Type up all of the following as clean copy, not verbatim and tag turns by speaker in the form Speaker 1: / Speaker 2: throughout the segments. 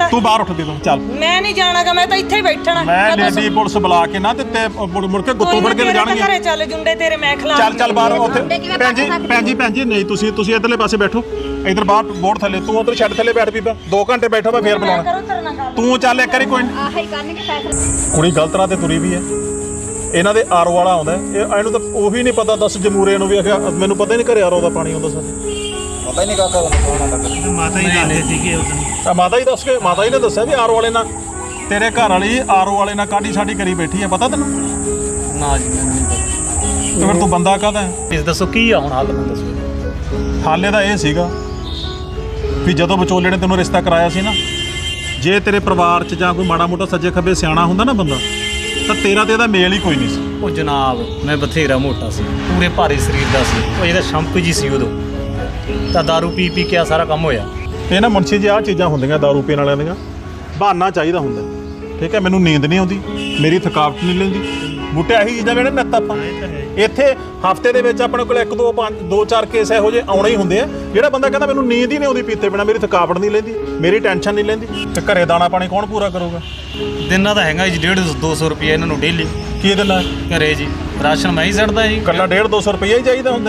Speaker 1: ਜਾਂਦਾ।
Speaker 2: ਤੂੰ ਬਾਹਰ ਉੱਠ ਦੇ ਤੂੰ ਚੱਲ।
Speaker 1: ਮੈਂ ਨਹੀਂ ਜਾਣਾਗਾ, ਮੈਂ ਤਾਂ ਇੱਥੇ ਹੀ ਬੈਠਣਾ।
Speaker 2: ਮੈਂ ਲੇਡੀ ਪੁਲਿਸ ਬੁਲਾ ਕੇ ਨਾ ਤੇ ਮੁੜ ਕੇ ਗੁੱਤੋਂ ਫੜ ਕੇ ਲੈ ਜਾਣਗੇ।
Speaker 1: ਘਰੇ ਚੱਲ ਜੁੰਡੇ ਤੇਰੇ ਮੈਂ ਖਿਲਾ।
Speaker 2: ਚੱਲ ਬਾਹਰ ਉੱਥੇ। ਭੈਣ ਜੀ ਨਹੀਂ ਤੁਸੀਂ ਇਧਰਲੇ ਪਾਸੇ ਬੈਠੋ, ਇਧਰ ਬਾਹਰ ਬੋਰਡ ਥੱਲੇ। ਤੂੰ ਉਧਰ ਛੱਡ ਥੱਲੇ ਬੈਠ ਬੀਬਾ, 2 ਘੰਟੇ ਬੈਠੋ ਮੈਂ ਫੇਰ ਬੁਲਾਉਣਾ। ਤੂੰ ਚੱਲ ਇੱਕ ਵਾਰੀ ਕੋਈ
Speaker 3: ਆਹੀ ਕਰਨਗੇ ਫੈਸਲਾ।
Speaker 2: ਕੁੜੀ ਗਲਤ ਰਾਹ ਤੇ ਤੁਰੀ ਵੀ ਹੈ। ਇਹਨਾਂ ਦੇ ਆਰਓ ਵਾਲਾ ਆਉਂਦਾ, ਇਹਨੂੰ ਤਾਂ ਉਹੀ ਨਹੀਂ ਪਤਾ। ਦੱਸ ਜਮੂਰੇ ਨੂੰ ਵੀ ਆਖਿਆ ਮੈਨੂੰ ਪਤਾ ਹੀ ਨਹੀਂ ਘਰੇ ਆਰਓ ਦਾ ਪਾਣੀ ਆਉਂਦਾ। ਸਾਡੇ
Speaker 4: ਪਤਾ ਹੀ ਨਹੀਂ ਕਾਕਾ
Speaker 5: ਮਾਤਾ ਹੀ ਦੱਸਦੇ ਸੀਗੇ ਉਦੋਂ।
Speaker 2: ਮਾਤਾ ਹੀ ਦੱਸ ਕੇ, ਮਾਤਾ ਹੀ ਨੇ ਦੱਸਿਆ ਵੀ ਆਰਓ ਵਾਲੇ ਨਾਲ ਤੇਰੇ ਘਰ ਵਾਲੀ ਆਰਓ ਵਾਲੇ ਨਾਲ ਕਾਢੀ ਸਾਡੀ ਕਰੀ ਬੈਠੀ ਹੈ। ਪਤਾ ਤੈਨੂੰ?
Speaker 5: ਨਾ ਜੀ ਮੈਨੂੰ ਨਹੀਂ ਪਤਾ।
Speaker 2: ਤੇ ਫਿਰ ਤੂੰ ਬੰਦਾ ਕਾਹਦਾ ਹੈ?
Speaker 5: ਇਸ ਦੱਸੋ ਕੀ ਆ ਹੁਣ ਹੱਲ, ਮੈਨੂੰ ਦੱਸੋ।
Speaker 2: ਹਾਲੇ ਦਾ ਇਹ ਸੀਗਾ ਵੀ ਜਦੋਂ ਵਿਚੋਲੇ ਨੇ ਤੈਨੂੰ ਰਿਸ਼ਤਾ ਕਰਾਇਆ ਸੀ ਨਾ, ਜੇ ਤੇਰੇ ਪਰਿਵਾਰ 'ਚ ਜਾਂ ਕੋਈ ਮਾੜਾ ਮੋਟਾ ਸੱਜੇ ਖੱਬੇ ਸਿਆਣਾ ਹੁੰਦਾ ਨਾ ਬੰਦਾ, ਤਾਂ ਤੇਰਾ ਤੇ ਇਹਦਾ ਮੇਲ ਹੀ ਕੋਈ ਨਹੀਂ ਸੀ।
Speaker 5: ਉਹ ਜਨਾਬ ਮੈਂ ਬਥੇਰਾ ਮੋਟਾ ਸੀ, ਪੂਰੇ ਭਾਰੀ ਸਰੀਰ ਦਾ ਸੀ। ਉਹ ਇਹਦਾ ਸ਼ੰਕ ਜੀ ਸੀ ਉਦੋਂ, ਤਾਂ ਦਾਰੂ ਪੀ ਕੇ ਆ ਸਾਰਾ ਕੰਮ ਹੋਇਆ।
Speaker 2: ਇਹ ਨਾ ਮੁਨਸ਼ੀ ਜੀ ਆਹ ਚੀਜ਼ਾਂ ਹੁੰਦੀਆਂ ਦਾਰੂ ਪੀਣ ਵਾਲਿਆਂ ਦੀਆਂ, ਬਹਾਨਾ ਚਾਹੀਦਾ ਹੁੰਦਾ। ਠੀਕ ਹੈ, ਮੈਨੂੰ ਨੀਂਦ ਨਹੀਂ ਆਉਂਦੀ, ਮੇਰੀ ਥਕਾਵਟ ਨਹੀਂ ਲੈਂਦੀ, ਬੂਟੇ ਇਹੀ ਚੀਜ਼ਾਂ ਵੇਣੇ ਨੱਤ ਆਪਾਂ ਇੱਥੇ ਹਫਤੇ ਦੇ ਵਿੱਚ ਆਪਣੇ ਕੋਲ 1-2-4 ਕੇਸ ਇਹੋ ਜਿਹੇ ਆਉਣੇ ਹੀ ਹੁੰਦੇ ਆ। ਜਿਹੜਾ ਬੰਦਾ ਕਹਿੰਦਾ ਮੈਨੂੰ ਨੀਂਦ ਹੀ ਨਹੀਂ ਆਉਂਦੀ ਪੀਤੇ ਬਿਨਾਂ, ਮੇਰੀ ਥਕਾਵਟ ਨਹੀਂ ਲੈਂਦੀ, ਮੇਰੀ ਟੈਨਸ਼ਨ ਨਹੀਂ ਲੈਂਦੀ, ਤੇ ਘਰੇ ਦਾਣਾ ਪਾਣੀ ਕੌਣ ਪੂਰਾ ਕਰੂਗਾ?
Speaker 5: ਦਿਨਾਂ ਦਾ ਹੈਗਾ ਜੀ 150-200 ਰੁਪਏ ਇਹਨਾਂ ਨੂੰ ਡੇਲੀ।
Speaker 2: ਕੀ ਦਿੰਦਾ
Speaker 5: ਘਰੇ ਜੀ ਰਾਸ਼ਨ ਮੈਂ ਹੀ ਛੱਡਦਾ ਜੀ।
Speaker 2: ਕੱਲਾ 150-200 ਰੁਪਈਆ ਹੀ ਚਾਹੀਦਾ ਹੁੰਦਾ।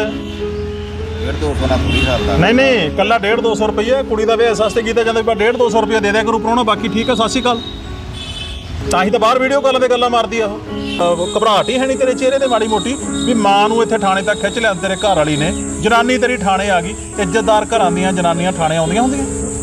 Speaker 4: 150 ਨਾਲ ਪੂਰੀ ਕਰਦਾ।
Speaker 2: ਨਹੀਂ ਕੱਲਾ 150-200 ਰੁਪਈਆ ਕੁੜੀ ਦਾ ਵਿਆਹ ਸਸਤੇ ਕੀਤਾ ਜਾਂਦਾ। 150-200 ਰੁਪਈਆ ਦੇ ਦਿਆ ਕਰੂ ਪ੍ਰਾਹੁਣਾ, ਬਾਕੀ ਠੀਕ ਹੈ। ਸਤਿ ਸ਼੍ਰੀ ਅਕਾਲ। ਤਾਂ ਹੀ ਤਾਂ ਬਾਹਰ ਵੀਡੀਓ ਕਾਲਾਂ ਤੇ ਗੱਲਾਂ ਮਾਰਦੀ ਆ ਉਹ। ਘਬਰਾਹਟ ਹੀ ਹੈ ਨਹੀਂ ਤੇਰੇ ਚਿਹਰੇ ਤੇ ਮਾੜੀ ਮੋਟੀ ਵੀ ਮਾਂ ਨੂੰ ਇੱਥੇ ਥਾਣੇ ਤੱਕ ਖਿੱਚ ਲਿਆ ਤੇਰੇ ਘਰ ਵਾਲੀ ਨੇ। ਜਨਾਨੀ ਤੇਰੀ ਥਾਣੇ ਆ ਗਈ। ਇੱਜ਼ਤਦਾਰ ਘਰਾਂ ਦੀਆਂ ਜਨਾਨੀਆਂ ਥਾਣੇ ਆਉਂਦੀਆਂ ਹੁੰਦੀਆਂ।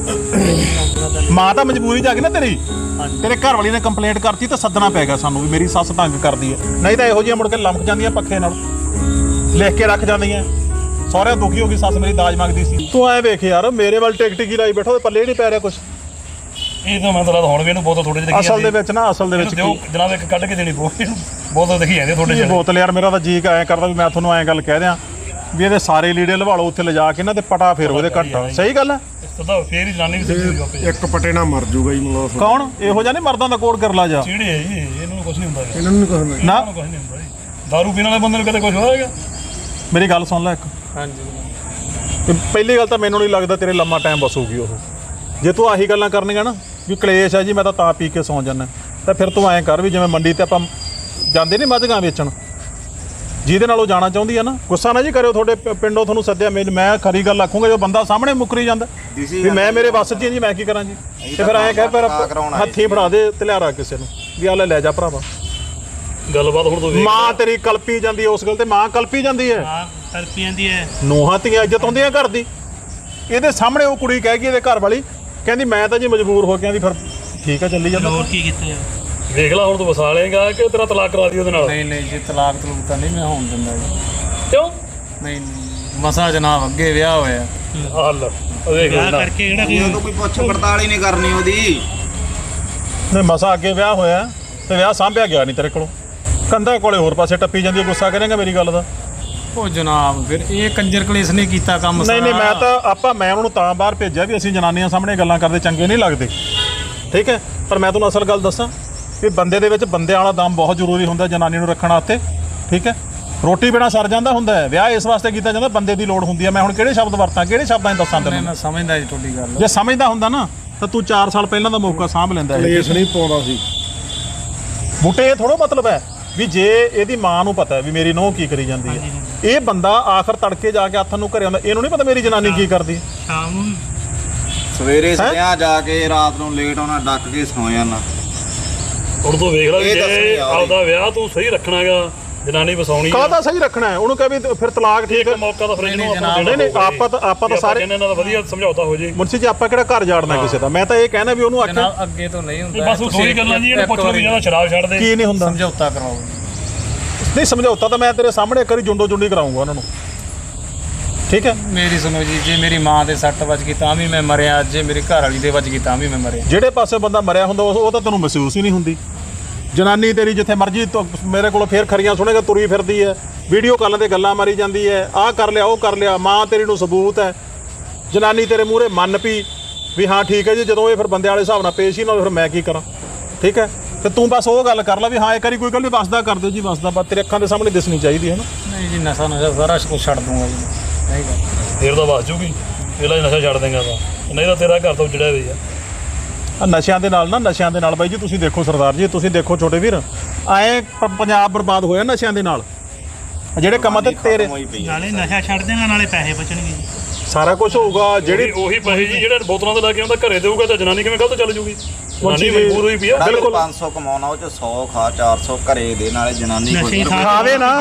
Speaker 2: ਮਾਂ ਤਾਂ ਮਜਬੂਰੀ 'ਚ ਆ ਗਈ ਨਾ ਤੇਰੀ। ਤੇਰੇ ਘਰ ਵਾਲੀ ਨੇ ਕੰਪਲੇਂਟ ਕਰਤੀ ਤਾਂ ਸੱਦਣਾ ਪੈ ਗਿਆ ਸਾਨੂੰ ਵੀ ਮੇਰੀ ਸੱਸ ਤੰਗ ਕਰਦੀ ਹੈ। ਨਹੀਂ ਤਾਂ ਇਹੋ ਜਿਹੀਆਂ ਮੁੜ ਕੇ ਲੰਮਕ ਜਾਂਦੀਆਂ ਪੱਖੇ ਨਾਲ, ਲਿਖ ਕੇ ਰੱਖ ਜਾਂਦੀਆਂ। ਸਹੁਰਿਆਂ ਦੁਖੀ ਹੋ ਗਈ ਸੱਸ ਮੇਰੀ ਦਾਜ ਮੰਗਦੀ ਸੀ। ਤੂੰ ਐ ਵੇਖ ਯਾਰ, ਮੇਰੇ ਵੱਲ ਟਿਕੀ ਲਾਈ ਬੈਠਾ, ਪੱਲੇ ਨਹੀਂ ਪੈ ਰਿਹਾ ਕੁਛ।
Speaker 6: ਇਹ ਤਾਂ ਮੈਂ ਤਾਂ ਹੁਣ ਵੀ ਇਹਨੂੰ ਬੋਤਲ ਥੋੜੇ ਜਿਹੇ
Speaker 2: ਅਸਲ ਦੇ ਵਿੱਚ ਨਾ, ਅਸਲ ਦੇ ਵਿੱਚ
Speaker 6: ਜਨਾਬ ਇੱਕ ਕੱਢ ਕੇ ਦੇਣੀ ਬੋਤਲ ਦੇਖੀ ਜਾਂਦੀ ਥੋੜੇ ਜਿਹੇ
Speaker 2: ਬੋਤਲ। ਯਾਰ ਮੇਰਾ ਤਾਂ ਜੀ ਐਂ ਕਰਦਾ ਵੀ ਮੈਂ ਤੁਹਾਨੂੰ ਐਂ ਗੱਲ ਕਹਿ ਦਿਆਂ ਵੀ ਇਹਦੇ ਸਾਰੇ ਲੀੜੇ ਲਵਾ ਲਓ ਉੱਥੇ ਲਿਜਾ ਕੇ ਨਾ, ਤੇ ਪਟਾ ਫੇਰੋ ਇਹਦੇ ਘੱਟ। ਸਹੀ ਗੱਲ ਹੈ।
Speaker 6: ਤਾਂ ਫੇਰ ਹੀ ਜਨਾਨੀ ਵੀ ਸਿੱਧੀ
Speaker 7: ਇੱਕ ਪਟੇ ਨਾਲ ਮਰ ਜੂਗਾ ਜੀ ਮਤਲਬ।
Speaker 2: ਕੌਣ ਇਹੋ ਜਿਹਾ ਨਹੀਂ ਮਰਦਾਂ ਦਾ ਕੋਡ ਕਰ ਲਾ ਜਾ।
Speaker 6: ਚੀੜੇ ਹੈ ਜੀ, ਇਹਨਾਂ ਨੂੰ ਕੁਝ ਨਹੀਂ ਹੁੰਦਾ।
Speaker 7: ਇਹਨਾਂ ਨੂੰ ਕੁਝ ਨਹੀਂ
Speaker 2: ਨਾ
Speaker 6: ਕੁਝ ਨਹੀਂ ਹੁੰਦਾ ਜੀ। ਦਾਰੂ ਪੀਣ ਵਾਲੇ ਬੰਦੇ ਨੂੰ ਕਦੇ ਕੁਝ ਹੋਏਗਾ?
Speaker 2: ਮੇਰੀ ਗੱਲ ਸੁਣ ਲੈ ਇੱਕ।
Speaker 5: ਹਾਂਜੀ।
Speaker 2: ਪਹਿਲੀ ਗੱਲ ਤਾਂ ਮੈਨੂੰ ਨਹੀਂ ਲੱਗਦਾ ਤੇਰੇ ਲੰਮਾ ਟਾਈਮ ਬਸੂਗੀ ਉਹ। ਜੇ ਤੂੰ ਆਹੀ ਗੱਲਾਂ ਕਰਨੀਆਂ ਨਾ ਵੀ ਕਲੇਸ਼ ਹੈ ਜੀ ਮੈਂ ਤਾਂ ਪੀ ਕੇ ਸੌਂ ਜਾਂਦਾ, ਤਾਂ ਫਿਰ ਤੂੰ ਐਂ ਕਰ ਵੀ ਜਿਵੇਂ ਮੰਡੀ ਤੇ ਆਪਾਂ ਜਾਂਦੇ ਨਹੀਂ ਮੱਝਾਂ ਵੇਚਣ, ਜਿਹਦੇ ਨਾਲ ਉਹ ਜਾਣਾ ਚਾਹੁੰਦੀ ਹੈ ਨਾ। ਗੁੱਸਾ ਨਾ ਜੀ ਕਰਿਓ, ਤੁਹਾਡੇ ਪਿੰਡੋਂ ਤੁਹਾਨੂੰ ਸੱਦਿਆ। ਮੈਂ ਖਰੀ ਗੱਲ ਆਖੂੰਗਾ ਜੋ ਬੰਦਾ ਸਾਹਮਣੇ ਮੁੱਕਰੀ ਜਾਂਦਾ ਵੀ ਮੈਂ ਮੇਰੇ ਵੱਸ 'ਚ ਜੀ, ਮੈਂ ਕੀ ਕਰਾਂ ਜੀ। ਤੇ ਫਿਰ ਐਂ ਕਹਿ ਫਿਰ ਹੱਥੀਂ ਫੜਾ ਦੇ ਤਲਿਆਰਾ ਕਿਸੇ ਨੂੰ ਵੀ ਆ ਲੈ ਜਾ ਭਰਾਵਾ।
Speaker 6: ਗੱਲਬਾਤ ਹੁਣ ਤੋਂ
Speaker 2: ਮਾਂ ਤੇਰੀ ਕਲਪੀ ਜਾਂਦੀ ਹੈ ਉਸ ਗੱਲ ਤੇ। ਮਾਂ ਕਲਪੀ ਜਾਂਦੀ ਹੈ,
Speaker 5: ਕਲਪੀ ਜਾਂਦੀ ਹੈ।
Speaker 2: ਨੂੰਹਾਂ ਧੀਆਂ ਇੱਜ਼ਤ ਹੁੰਦੀਆਂ ਘਰ ਦੀ। ਇਹਦੇ ਸਾਹਮਣੇ ਉਹ ਕੁੜੀ ਕਹਿ ਗਈ, ਇਹਦੇ ਘਰ ਵਾਲੀ ਕਹਿੰਦੀ ਮੈਂ ਤਾਂ ਜੀ ਮਜਬੂਰ ਹੋ ਕੇ ਆਂਦੀ। ਫਿਰ ਠੀਕ ਹੈ, ਚੱਲੀ ਜਾਂਦਾ।
Speaker 5: ਹੋਰ ਕੀ ਕੀਤਾ?
Speaker 6: ਦੇਖ ਲਾ ਹੁਣ ਤੂੰ ਵਸਾ ਲੇਗਾ ਕਿ ਤੇਰਾ ਤਲਾਕ ਕਰਾ ਦੀ ਉਹਦੇ ਨਾਲ?
Speaker 5: ਨਹੀਂ ਜੀ ਤਲਾਕ ਤਾਂ ਨਹੀਂ ਮੈਂ ਹੋਣ ਦਿੰਦਾ ਜੀ।
Speaker 6: ਕਿਉਂ?
Speaker 5: ਨਹੀਂ ਮਸਾ ਜਨਾਬ ਅੱਗੇ ਵਿਆਹ ਹੋਇਆ।
Speaker 6: ਹੱਲ ਦੇਖ ਲੈ
Speaker 5: ਕਰਕੇ
Speaker 4: ਉਹ ਤਾਂ ਕੋਈ ਪੁੱਛ ਪੜਤਾਲ ਹੀ ਨਹੀਂ ਕਰਨੀ ਉਹਦੀ।
Speaker 2: ਨਹੀਂ ਮਸਾ ਅੱਗੇ ਵਿਆਹ ਹੋਇਆ ਤੇ ਵਿਆਹ ਸਾਂਭਿਆ ਗਿਆ ਨਹੀਂ ਤੇਰੇ ਕੋਲੋਂ। ਕੰਧਾਂ ਕੋਲੇ ਹੋਰ ਪਾਸੇ ਟੱਪੀ ਜਾਂਦੀ ਹੈ। ਗੁੱਸਾ ਕਰੇਗਾ ਮੇਰੀ ਗੱਲ ਦਾ?
Speaker 5: ਉਹ ਜਨਾਬ ਫਿਰ ਇਹ ਕੰਜਰ ਕਲੇਸ਼ ਨੇ ਕੀਤਾ ਕੰਮ ਸਾਰਾ।
Speaker 2: ਨਹੀਂ ਮੈਂ ਉਹਨਾਂ ਨੂੰ ਤਾਂ ਬਾਹਰ ਭੇਜਿਆ ਵੀ ਅਸੀਂ ਜਨਾਨੀਆਂ ਸਾਹਮਣੇ ਗੱਲਾਂ ਕਰਦੇ ਚੰਗੇ ਨਹੀਂ ਲੱਗਦੇ। ਠੀਕ ਹੈ, ਪਰ ਮੈਂ ਤੁਹਾਨੂੰ ਅਸਲ ਗੱਲ ਦੱਸਾਂ ਵੀ ਬੰਦੇ ਦੇ ਵਿੱਚ ਬੰਦੇ ਵਾਲਾ ਦਮ ਬਹੁਤ ਜ਼ਰੂਰੀ ਹੁੰਦਾ ਜਨਾਨੀ ਨੂੰ ਰੱਖਣ ਵਾਸਤੇ। ਠੀਕ ਹੈ, ਰੋਟੀ ਬਿਨਾਂ ਸਰ ਜਾਂਦਾ ਹੁੰਦਾ ਹੈ। ਵਿਆਹ ਇਸ ਵਾਸਤੇ ਕੀਤਾ ਜਾਂਦਾ ਬੰਦੇ ਦੀ ਲੋੜ ਹੁੰਦੀ ਹੈ। ਮੈਂ ਹੁਣ ਕਿਹੜੇ ਸ਼ਬਦ ਵਰਤਾਂ, ਕਿਹੜੇ ਸ਼ਬਦਾਂ 'ਚ ਦੱਸਾਂ ਤੈਨੂੰ?
Speaker 5: ਮੈਂ ਸਮਝਦਾ ਜੀ ਤੁਹਾਡੀ ਗੱਲ।
Speaker 2: ਜੇ ਸਮਝਦਾ ਹੁੰਦਾ ਨਾ ਤਾਂ ਤੂੰ 4 ਸਾਲ ਪਹਿਲਾਂ ਦਾ ਮੌਕਾ ਸਾਂਭ ਲੈਂਦਾ।
Speaker 7: ਕਲੇਸ਼ ਨਹੀਂ ਪਾਉਂਦਾ ਸੀ
Speaker 2: ਬੂਟੇ। ਇਹ ਥੋੜ੍ਹਾ ਮਤਲਬ ਹੈ ਵੀ ਜੇ ਇਹਦੀ ਮਾਂ ਨੂੰ ਪਤਾ ਹੈ ਵੀ ਮੇਰੀ ਨੂੰਹ ਕੀ ਕਰੀ ਜਾਂਦੀ ਹੈ, ਇਹ ਬੰਦਾ ਆਖਰ ਤੜਕੇ ਜਾ ਕੇ ਹੱਥ ਨੂੰ ਘਰੇ ਆਉਂਦਾ, ਇਹਨੂੰ ਨਹੀਂ ਪਤਾ ਮੇਰੀ ਜਨਾਨੀ ਕੀ ਕਰਦੀ।
Speaker 5: ਸ਼ਾਮ ਨੂੰ
Speaker 4: ਸਵੇਰੇ ਸਿਆ ਜਾ ਕੇ ਰਾਤ ਨੂੰ ਲੇਟ ਆਉਣਾ, ਡੱਕ ਕੇ ਸੌ ਜਾਣਾ।
Speaker 6: ਹੁਣ ਤੂੰ ਵੇਖ ਲੈ ਜੇ ਆਪਦਾ ਵਿਆਹ ਤੂੰ ਸਹੀ ਰੱਖਣਾਗਾ, ਜਨਾਨੀ ਵਸਾਉਣੀ
Speaker 2: ਕਾਹਦਾ ਸਹੀ ਰੱਖਣਾ ਹੈ? ਉਹਨੂੰ ਕਹੇ ਵੀ ਫਿਰ ਤਲਾਕ ਠੀਕ ਹੈ।
Speaker 6: ਮੌਕਾ ਤਾਂ ਫਰਿੱਜ ਨੂੰ
Speaker 2: ਨਹੀਂ ਆਪਾਂ ਤਾਂ ਸਾਰੇ
Speaker 6: ਇਹਨਾਂ ਦਾ ਵਧੀਆ ਸਮਝੌਤਾ ਹੋ ਜੇ।
Speaker 2: ਮੁਨਸੀ ਜੀ ਆਪਾਂ ਕਿਹੜਾ ਘਰ ਜਾੜਨਾ ਕਿਸੇ ਦਾ। ਮੈਂ ਤਾਂ ਇਹ ਕਹਿਣਾ ਵੀ ਉਹਨੂੰ ਆਖਿਆ
Speaker 5: ਅੱਗੇ ਤੋਂ ਨਹੀਂ ਹੁੰਦਾ।
Speaker 6: ਬਸ ਉਹੀ ਗੱਲਾਂ ਜੀ ਇਹਨੂੰ ਪੁੱਛ ਲਓ ਵੀ ਜਿਹੜਾ ਸ਼ਰਾਬ ਛੱਡ ਦੇ।
Speaker 2: ਕੀ ਨਹੀਂ ਹੁੰਦਾ?
Speaker 5: ਸਮਝੌਤਾ ਕਰਾਓ।
Speaker 2: ਨਹੀਂ ਸਮਝੌਤਾ ਤਾਂ ਮੈਂ ਤੇਰੇ ਸਾਹਮਣੇ ਇੱਕ ਵਾਰੀ ਜੁੰਡੋ ਜੁੰਡੀ ਕਰਾਉਂਗਾ ਉਹਨਾਂ ਨੂੰ। ਠੀਕ ਹੈ,
Speaker 5: ਮੇਰੀ ਸੁਣੋ ਜੀ, ਜੇ ਮੇਰੀ ਮਾਂ ਦੇ ਸੱਟ ਵੱਜ ਗਈ ਤਾਂ ਵੀ ਮੈਂ ਮਰਿਆ, ਜੇ ਮੇਰੀ ਘਰ ਵਾਲੀ ਦੇ ਵੱਜ ਗਈ ਤਾਂ ਵੀ ਮੈਂ ਮਰਿਆ।
Speaker 2: ਜਿਹੜੇ ਪਾਸੇ ਬੰਦਾ ਮਰਿਆ ਹੁੰਦਾ ਉਹ ਤਾਂ ਤੈਨੂੰ ਮਹਿਸੂਸ ਹੀ ਨਹੀਂ ਹੁੰਦੀ। ਜਨਾਨੀ ਤੇਰੀ ਜਿੱਥੇ ਮਰਜੀ ਮੇਰੇ ਕੋਲ ਫੇਰ ਖਰੀਆਂ ਸੁਣੇਗਾ, ਤੁਰੀ ਫਿਰਦੀ ਹੈ, ਵੀਡੀਓ ਕਾਲਾਂ ਤੇ ਗੱਲਾਂ ਮਾਰੀ ਜਾਂਦੀ ਹੈ, ਆਹ ਕਰ ਲਿਆ ਉਹ ਕਰ ਲਿਆ। ਮਾਂ ਤੇਰੀ ਨੂੰ ਸਬੂਤ ਹੈ। ਜਨਾਨੀ ਤੇਰੇ ਮੂਹਰੇ ਮੰਨ ਪਈ ਵੀ ਹਾਂ ਠੀਕ ਹੈ ਜੀ। ਜਦੋਂ ਇਹ ਫਿਰ ਬੰਦੇ ਵਾਲੇ ਹਿਸਾਬ ਨਾਲ ਪੇਸ਼ ਹੀ ਨਾ, ਫਿਰ ਮੈਂ ਕੀ ਕਰਾਂ? ਠੀਕ ਹੈ, ਤੇ ਤੂੰ ਬਸ ਉਹ ਗੱਲ ਕਰ ਲੈ ਵੀ ਹਾਂ ਇੱਕ ਵਾਰੀ ਕੋਈ ਗੱਲ ਨਹੀਂ, ਵਸਦਾ ਕਰ ਦਿਓ ਜੀ, ਵਸਦਾ ਬਸ ਤੇਰੇ ਅੱਖਾਂ ਦੇ ਸਾਹਮਣੇ ਦਿਸਣੀ ਚਾਹੀਦੀ ਹੈ ਨਾ।
Speaker 5: ਨਹੀਂ ਜੀ ਨਸ਼ਾ ਸਾਰਾ ਕੁਝ ਛੱਡ ਦੂੰਗਾ ਜੀ। ਨਹੀਂ ਗੱਲ
Speaker 6: ਫਿਰ ਤਾਂ ਵਸ ਜੂਗੀ। ਇਹਦਾ ਨਸ਼ਾ ਛੱਡ ਦੇਂਗਾ ਤਾਂ, ਨਹੀਂ ਤਾਂ ਤੇਰਾ ਘਰ ਤੋਂ ਉਜੜਿਆ ਹੋਇਆ।
Speaker 2: ਨਸ਼ਿਆਂ ਦੇ ਨਾਲ ਬਾਈ ਜੀ ਤੁਸੀਂ ਦੇਖੋ ਸਰਦਾਰ ਜੀ, ਤੁਸੀਂ ਦੇਖੋ ਛੋਟੇ ਵੀਰ, ਐਂ ਪੰਜਾਬ ਬਰਬਾਦ ਹੋਇਆ ਨਸ਼ਿਆਂ ਦੇ ਨਾਲ। ਜਿਹੜੇ ਕੰਮਾਂ ਤੇ ਤੇਰੇ
Speaker 8: ਨਾਲੇ ਨਸ਼ਾ ਛੱਡ ਦੇਗਾ ਨਾਲੇ ਪੈਸੇ ਬਚਣਗੇ।
Speaker 2: ਸਾਰਾ ਕੁਝ ਹੋਊਗਾ। ਜਿਹੜੀ
Speaker 6: ਉਹੀ ਪੈਸੇ ਜੀ ਜਿਹੜੇ ਬੋਤਲਾਂ ਤੇ ਲੈ ਕੇ ਆਉਂਦਾ ਘਰੇ ਦੇਊਗਾ ਤਾਂ ਜਨਾਨੀ ਕਿਵੇਂ ਗਲਤ ਚੱਲ ਜੂਗੀ? ਜਨਾਨੀ ਮਜਬੂਰ ਹੋਈ ਪਈ ਆ।
Speaker 2: ਬਿਲਕੁਲ
Speaker 4: 500 ਕਮਾਉਣਾ ਉਹ ਚ 100 ਖਾ 400 ਘਰੇ ਦੇ ਨਾਲੇ ਜਨਾਨੀ
Speaker 8: ਨਸ਼ੇ ਖਾ
Speaker 2: ਖਾਵੇ ਨਾ